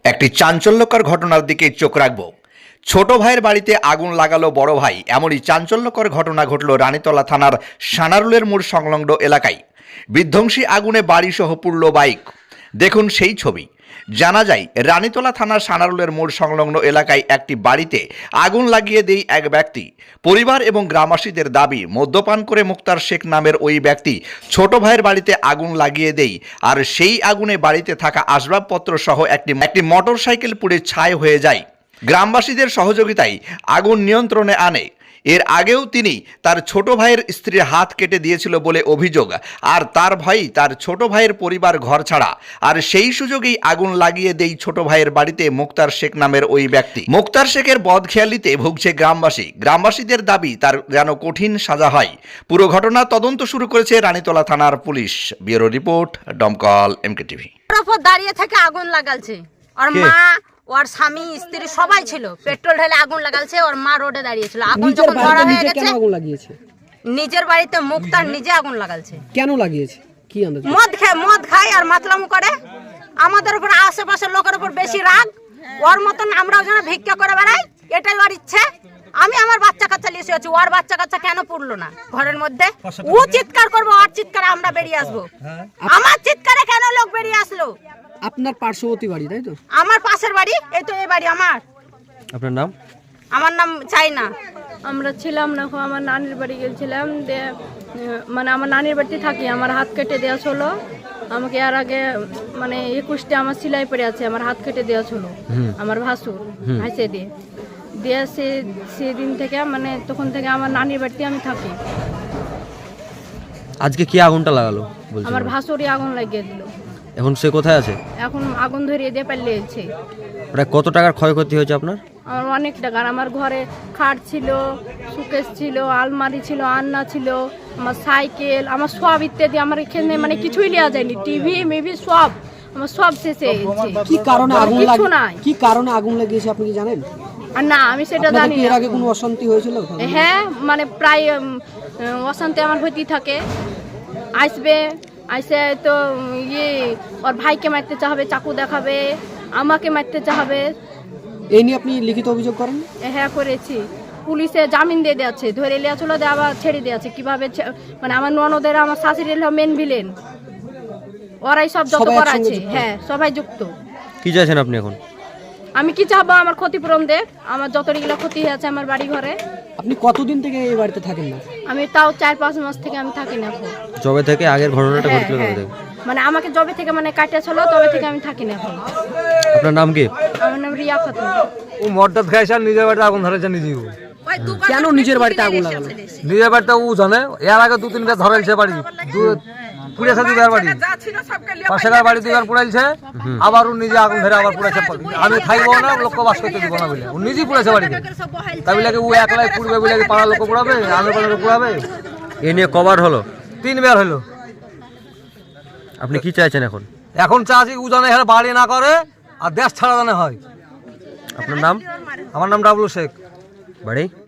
একটি চাঞ্চল্যকর ঘটনার দিকে চোখ রাখবো। ছোট ভাইয়ের বাড়িতে আগুন লাগালো বড় ভাই, এমনই চাঞ্চল্যকর ঘটনা ঘটল রানীতলা থানার সানারুলের মোড় সংলগ্ন এলাকায়। বিধ্বংসী আগুনে বাড়িসহ পুড়ল বাইক। দেখুন সেই ছবি। জানা যায়, রানীতলা থানার সানারুলের মোড় সংলগ্ন এলাকায় একটি বাড়িতে আগুন লাগিয়ে দেয় এক ব্যক্তি। পরিবার এবং গ্রামবাসীদের দাবি, মদ্যপান করে মুক্তার শেখ নামের ওই ব্যক্তি ছোট ভাইয়ের বাড়িতে আগুন লাগিয়ে দেয়, আর সেই আগুনে বাড়িতে থাকা আসবাবপত্র সহ একটি মোটরসাইকেল পুড়ে ছাই হয়ে যায়। গ্রামবাসীদের সহযোগিতায় আগুন নিয়ন্ত্রণে আনে। এর আগেও তিনি তার ছোট ভাইয়ের স্ত্রীর হাত কেটে দিয়েছিল বলে অভিযোগ, আর তার ভয় তার ছোট ভাইয়ের পরিবার ঘর ছাড়া। আর সেই সুযোগেই আগুন লাগিয়ে দেয় ছোট ভাইয়ের বাড়িতে মুক্তার শেখ নামের ওই ব্যক্তি। মুক্তার শেখের বদখেয়ালিতে ভুগছে গ্রামবাসীদের দাবি তার যেন কঠিন সাজা হয়। পুরো ঘটনা তদন্ত শুরু করেছে রানীতলা থানার পুলিশ। Bureau report, Domkol MK TV. দাঁড়িয়ে থেকে আগুন লাগালছে, ওর মা ওর স্বামী স্ত্রী সবাই ছিল। পেট্রোল ঢেলে আগুন লাগালছে, ওর মা রোডে দাঁড়িয়েছিল। আগুন যখন ধরা হয়ে গেছে, নিজের বাড়িতে মুক্তার নিজে আগুন লাগালছে। কেন লাগিয়েছে? কি আন্দাজ? মদ খায় আর মাতলামু করে। আমাদের উপর, আশেপাশের লোকের উপর বেশি রাগ। ওর মতন আমরাও যেন ভিক্ষা করে বেড়াই, এটাই ওর ইচ্ছে। আমি আমার বাচ্চা কাচ্চা লিখে আছি, ওর বাচ্চা কাচ্চা কেন পড়লো না ঘরের মধ্যে? ও চিৎকার করবো, ওর চিৎকারে আমরা বেরিয়ে আসবো। আমার চিৎকারে কেন লোক বেরিয়ে আসলো? আপনার পার্শ্ববর্তী বাড়ি, তাই তো? আমার পাশের বাড়ি, এই তো এই বাড়ি আমার। আপনার নাম? আমার নাম চাইনা। আমরা ছিলাম না, আমার নানির বাড়ি গেছিলাম, মানে আমার নানির বাড়িতে থাকি। আমার হাত কেটে দেওয়া ছিল আমাকে। এর আগে মানে 21টে আমার সেলাই পড়ে আছে, আমার হাত কেটে দেওয়া ছিল আমার ভাসুর হাসে দিয়ে সেদিন থেকে মানে তখন থেকে আমার নানির বাড়িতে আমি থাকি। আজকে কি আগুনটা লাগালো? আমার ভাসুরই আগুন লাগিয়ে দিল। এখন সে কোথায় আছে? এখন আগুন ধরিয়ে দিয়ে পালিয়েছে। প্রায় কত টাকার ক্ষয়ক্ষতি হয়েছে আপনার? আমার অনেক টাকার। আমার ঘরে খাট ছিল, সুকেস ছিল, আলমারি ছিল, আন্না ছিল, আমার সাইকেল, আমার সব ইত্যাদি। আমার এখানে মানে কিছুই নেওয়া যায়নি, টিভি মিভি সব আমার সব শেষে গেছে। কি কারণে আগুন কিছু নাই। কি কারণে আগুন লাগিয়েছে আপনি কি জানেন? আর না, আমি সেটা জানি না। এর আগে কোনো অশান্তি হয়েছিল? হ্যাঁ, মানে প্রায় অশান্তি আমার হইতেই থাকে। আইসে তো ওর ভাইকে মারতে চাবে, চাকু দেখাবে, আমাকে মারতে চাবে। এই নিয়ে আপনি লিখিত অভিযোগ করেন? হ্যাঁ, করেছি। পুলিশে জামিন দিয়ে দিয়েছে, ধরে লিয়া চলে দিয়ে আবার ছেড়ে দিয়েছে। কিভাবে মানে আমার ননদের, আমার শাশুড়ির মেন ভিলেন, ওরাই সব যত করাছে। হ্যাঁ, সবাই যুক্ত। কি চাইছেন আপনি এখন? আমি কি চাবো? আমার ক্ষতিপূরণ দেখ, আমার যতগুলো ক্ষতি হয়েছে আমার বাড়ি ঘরে। আপনি কতদিন থেকে এই বাড়িতে থাকেন না? আমি তাও 4-5 মাস থেকে আমি থাকি না এখন। জবে থেকে আগের ঘটনাটা ঘটলো তবে থেকে? মানে আমাকে জবে থেকে মানে কাটিয়া ছিল, তবে থেকে আমি থাকি না এখন। আপনার নাম কি? আমার নাম রিয়া খাতুন। ও মদটা খাইছে আর নিজের বাড়িতে আগুন ধরেছে নিজেই। কেন নিজের বাড়িতে আগুন লাগালো? নিজের বাড়িতে ও জানে, এর আগে 2-3টা ধরেছে বাড়ি, পুড়েছে দুবার বাড়ি, পাশের বাড়ি 2বার পুড়াইছে, আবার ও নিজে আগুন ধরে আবার পুড়েছে। আমি খাইবো না, লোক বাস করতে দিব না বলে ও নিজেই পুড়েছে বাড়িতে। তাই বলে ও একলাই পুড়বে বলে পাড়ার লোক পুড়াবে, আমি লোক পুড়াবে? এ নিয়ে কবার হলো? 3বার হলো। আপনি কি চাইছেন এখন? এখন চাষি ও জানে এখানে বাড়ি না করে আর দেশ ছাড়া জানে হয়। আপনার নাম? আমার নাম ডাবলু শেখ। বাড়ি?